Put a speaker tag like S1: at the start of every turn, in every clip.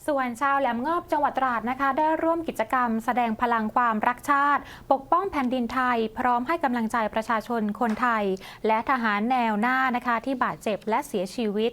S1: ส่วนชาวแหลมงอบจังหวัดตราดนะคะได้ร่วมกิจกรรมแสดงพลังความรักชาติปกป้องแผ่นดินไทยพร้อมให้กำลังใจประชาชนคนไทยและทหารแนวหน้านะคะที่บาดเจ็บและเสียชีวิต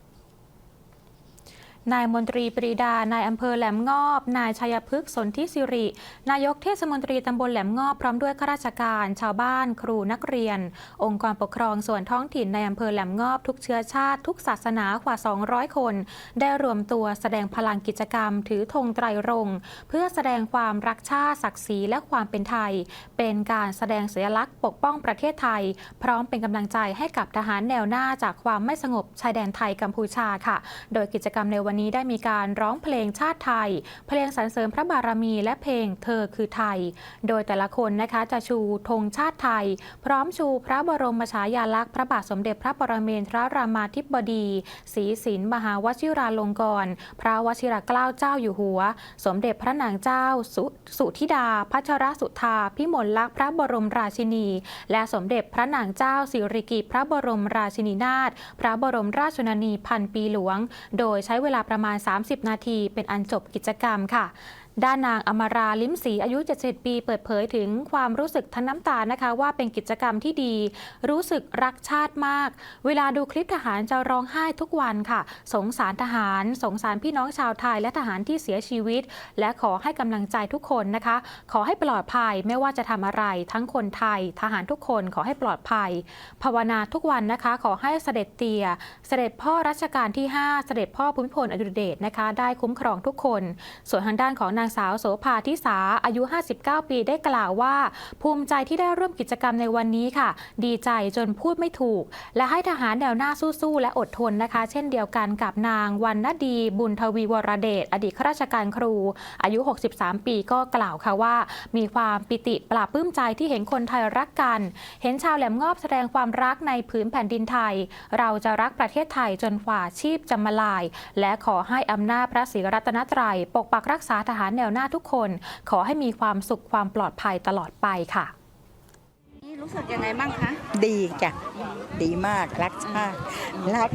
S1: นายมนตรีปรีดานายอำเภอแหลมงอบนายชัยพฤกษ์สนธิสิรินายกเทศมนตรีตำบลแหลมงอบพร้อมด้วยข้าราชการชาวบ้านครูนักเรียนองค์กรปกครองส่วนท้องถิ่นในอำเภอแหลมงอบทุกเชื้อชาติทุกศาสนากว่า200คนได้รวมตัวแสดงพลังกิจกรรมถือธงไตรรงค์เพื่อแสดงความรักชาติศักดิ์ศรีและความเป็นไทยเป็นการแสดงสัญลักษณ์ปกป้องประเทศไทยพร้อมเป็นกำลังใจให้กับทหารแนวหน้าจากความไม่สงบชายแดนไทยกัมพูชาค่ะโดยกิจกรรมในวันนี้ได้มีการร้องเพลงชาติไทยเพลงสรรเสริญพระบารมีและเพลงเธอคือไทยโดยแต่ละคนนะคะจะชูธงชาติไทยพร้อมชูพระบรมฉายาลักษณ์พระบาทสมเด็จพระปรเมนทรรามาธิบดีศรีสินมหาวชิราลงกรณ์พระวชิรเกล้าเจ้าอยู่หัวสมเด็จพระนางเจ้าสุธิดาพัชรสุธาพิมลลักษณ์พระบรมราชินีและสมเด็จพระนางเจ้าสิริกิติ์พระบรมราชินีนาถพระบรมราชชนนีพันปีหลวงโดยใช้เวลาประมาณ30นาทีเป็นอันจบกิจกรรมค่ะด้านนางอมราลิ้มศรีอายุ77ปีเปิดเผยถึงความรู้สึกทั้งน้ำตานะคะว่าเป็นกิจกรรมที่ดีรู้สึกรักชาติมากเวลาดูคลิปทหารจะร้องไห้ทุกวันค่ะสงสารทหารสงสารพี่น้องชาวไทยและทหารที่เสียชีวิตและขอให้กำลังใจทุกคนนะคะขอให้ปลอดภัยไม่ว่าจะทำอะไรทั้งคนไทยทหารทุกคนขอให้ปลอดภัยภาวนาทุกวันนะคะขอให้เสด็จเตี่ยเสด็จพ่อรัชกาลที่5เสด็จพ่อภูมิพลอดุลยเดชนะคะได้คุ้มครองทุกคนส่วนทางด้านของนางสาวโสภาทิสาอายุ59ปีได้กล่าวว่าภูมิใจที่ได้ร่วมกิจกรรมในวันนี้ค่ะดีใจจนพูดไม่ถูกและให้ทหารแนวหน้าสู้ๆและอดทนนะคะเช่นเดียวกันกับนางวรรณดีบุญทวีวรเดชอดีตข้าราชการครูอายุ63ปีก็กล่าวค่ะว่ามีความปิติปลาบปลื้มใจที่เห็นคนไทยรักกันเห็นชาวแหลมงอบแสดงความรักในผืนแผ่นดินไทยเราจะรักประเทศไทยจนกว่าชีพจะมาลายและขอให้อำนาจพระศรีรัตนตรัยปกปักรักษาทหารแนวหน้าทุกคนขอให้มีความสุขความปลอดภัยตลอดไปค่ะ
S2: รู้สึกยังไงบ้างคะ
S3: ดีจ้ะดีมากรักชาติรัก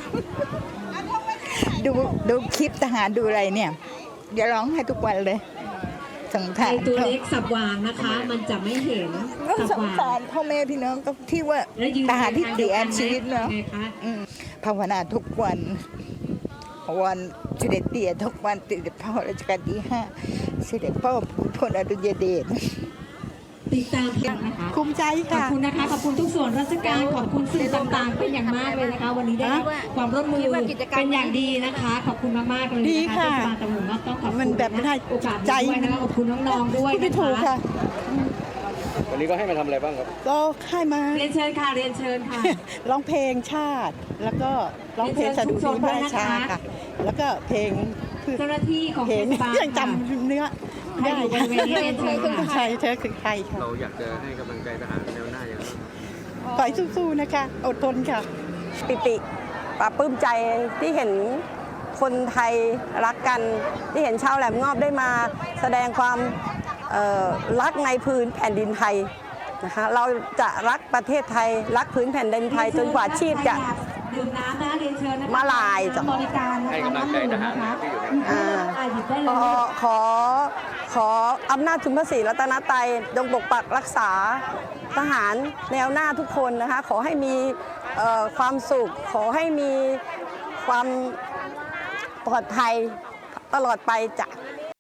S3: ดูคลิปทหารดูอะไรเนี่ยเดี๋ยวร้องให้ทุกวันเลยสงสาร
S2: ตัวเล็กสับวางนะคะมันจะไม่เห็น
S3: สงสารพ่อแม่พี่น้องก็ที่ว่าทหารที่เสียชีวิตเนาะภาวนาทุกวันเสด็จเตี่ยทุกวันเสด็จพ่อรัชกาลที่5เสด็จพ่อภูมิพลอดุลยเดช
S2: ติดตามนะคะ
S3: ภูมิใจค่ะ
S2: ขอบคุณนะคะขอบคุณทุกส่วนราชการขอบคุณสื่อต่างๆเป็นอย่างมากเลยนะคะวันนี้ได้ความร่วมมือเป็นอย่างดีนะคะขอบคุณมากๆเลยนะคะที่มาตำรวจต้องขอบคุณแบบโอกาสใจนะคะขอบคุณน้องๆด้วย
S3: นะคะ
S4: วันนี้ก็ให้มาทำอะไรบ้างครับ
S3: ก็ให้มา
S2: เรียนเชิญค่ะเรียนเชิญค่ะ
S3: ร้องเพลงชาติแล้วก็ร้องเพลงสดุดีพระราชาค่ะแล้วก็เพลง
S2: เจ้าหน้าที่ของเทศบาล
S3: ยังจำเนื้อได้ใช่เธอคือใครค่ะ
S4: เราอยากจะให้กำลังใจทหารแนวหน้าอย่างไร
S3: ขอให้สู้ๆนะคะอดทนค่ะ
S5: ปิติปลาปลื้มใจที่เห็นคนไทยรักกันที่เห็นชาวแหลมงอบได้มาแสดงความรักในพื้นแผ่นดินไทยนะคะเราจะรักประเทศไทยรักพื้นแผ่นดินไทยจนกว่าชีพจะมาลายจ้ะ
S4: ให้กำลังใจทหารที่อยู่ใน
S5: ขออำนาจชุมพระศรีรัตนตรัยจงปกปักรักษาทหารแนวหน้าทุกคนนะคะขอให้มีความสุขขอให้มีความปลอดภัยตลอดไปจ้ะ